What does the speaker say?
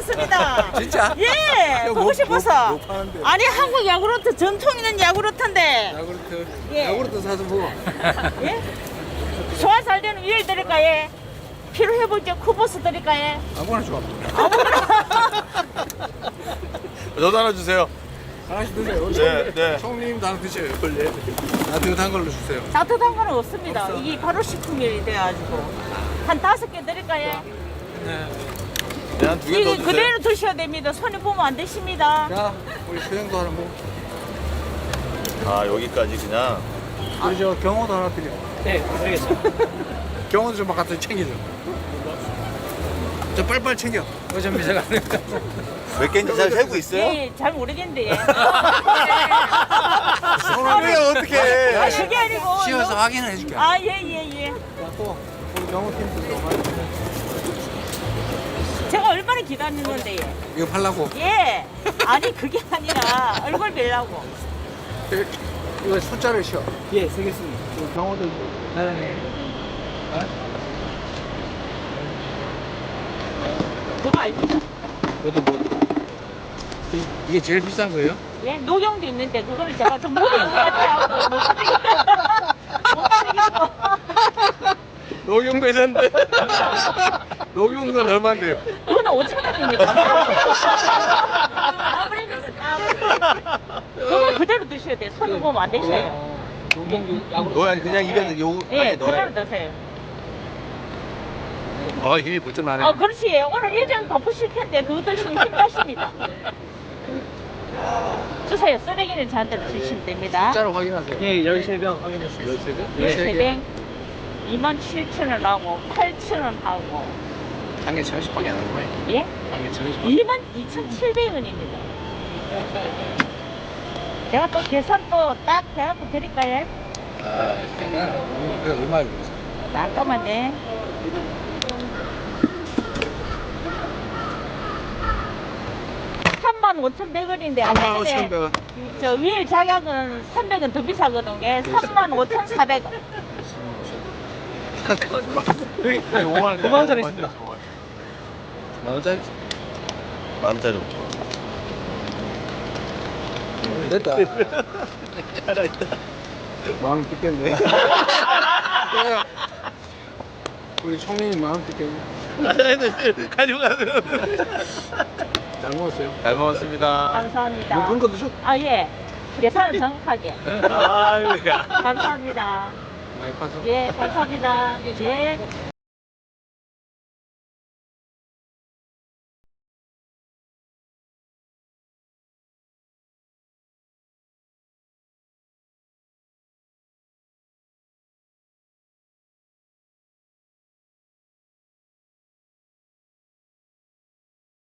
싶었습니다. 진짜? 예, 보고 싶어서. 못 파는데. 아니 한국 야구르트 전통 있는 야구르트인데. 야구르트. 예. 야구르트 사서 먹어. 예? 소화 잘 되는 위를 드릴까 예? 피로 회복제 쿠보스 드릴까 예? 아무거나 좋아. 저도 하나 주세요. 하나씩 드세요. 네, 네. 총님도 하나 드셔요. 원래. 따뜻한 걸로 주세요. 따뜻한 거는 없습니다. 없어. 이게 바로 식품이 돼가지고 한 5개 드릴까 예? 네. 네, 한 2개 더 이거 주세요. 그대로 드셔야 됩니다. 손에 보면 안 되십니다. 자, 우리 소영도 하나 먹어. 아, 여기까지 그냥. 우리 저 경호도 하나 드려. 네, 알겠습니다. 경호도 좀 갖다 챙겨줘. 저 빨빨 챙겨. 어차피 제가 안 되니까. 몇 개인지 잘 세고 있어요? 예, 잘 모르겠는데 예. 손을 어떻게 해? 아, 그게 아니고 씌워서 너무- 확인을 해줄게. 아, 예, 예, 예. 자, 또 우리 경호팀도 좀 많이 드려. 제가 얼마나 기다렸는데 예. 이거 팔라고. 예. 아니 그게 아니라 얼굴 뵈려고. 이거 숫자를 쉬어. 예, 쓰겠습니다. 이거 경호도. 네. 그거 알죠? 이것도 뭐. 이게 제일 비싼 거예요? 예, 녹용도 있는데 그거를 제가 좀 무리인 것 같아요. 못 사겠어. 못 사겠어. 녹용도 있는데. 녹용은 얼마인데요? 그거는 5,000원입니다. 그거 그대로 드셔야 돼요. 손을 보면 안 되셔요. 너 그냥 입에 요 예, 안에 그대로 넣어요. 드세요. 힘이 벌쩍 나네. 그렇지. 오늘 예전 덮으실 텐데 그거 드시면 힘나십니다. 주세요. 쓰레기는 저한테 주시면 됩니다. 숫자를 확인하세요. 예, 13병 확인했습니다. 13개? 예, 세뱅 27,000원 하고 8,000원 하고 한개 1,000원씩밖에 안 하는 거예요. 예? 한개 1,000원씩. 22,700원입니다. 제가 또 계산 또 딱 해갖고 드릴까요? 아, 그게 얼마예요? 잠깐만요. $35,100원인데 35,100원. 저 위에 자격은 300원 더 비싸거든요. 35,400원. 5만 원짜리 있습니다. 만원짜리? 만원짜리. 됐다. 마음 뜯겠네. 우리 총리님 마음 뜯겠네. 가져가세요. 잘 먹었어요. 잘 먹었습니다. 감사합니다. 뭐 그런 거 드셨? 아, 예. 계산은 정확하게. 아유, 야. 감사합니다. 많이 파서. 예, 감사합니다. 예.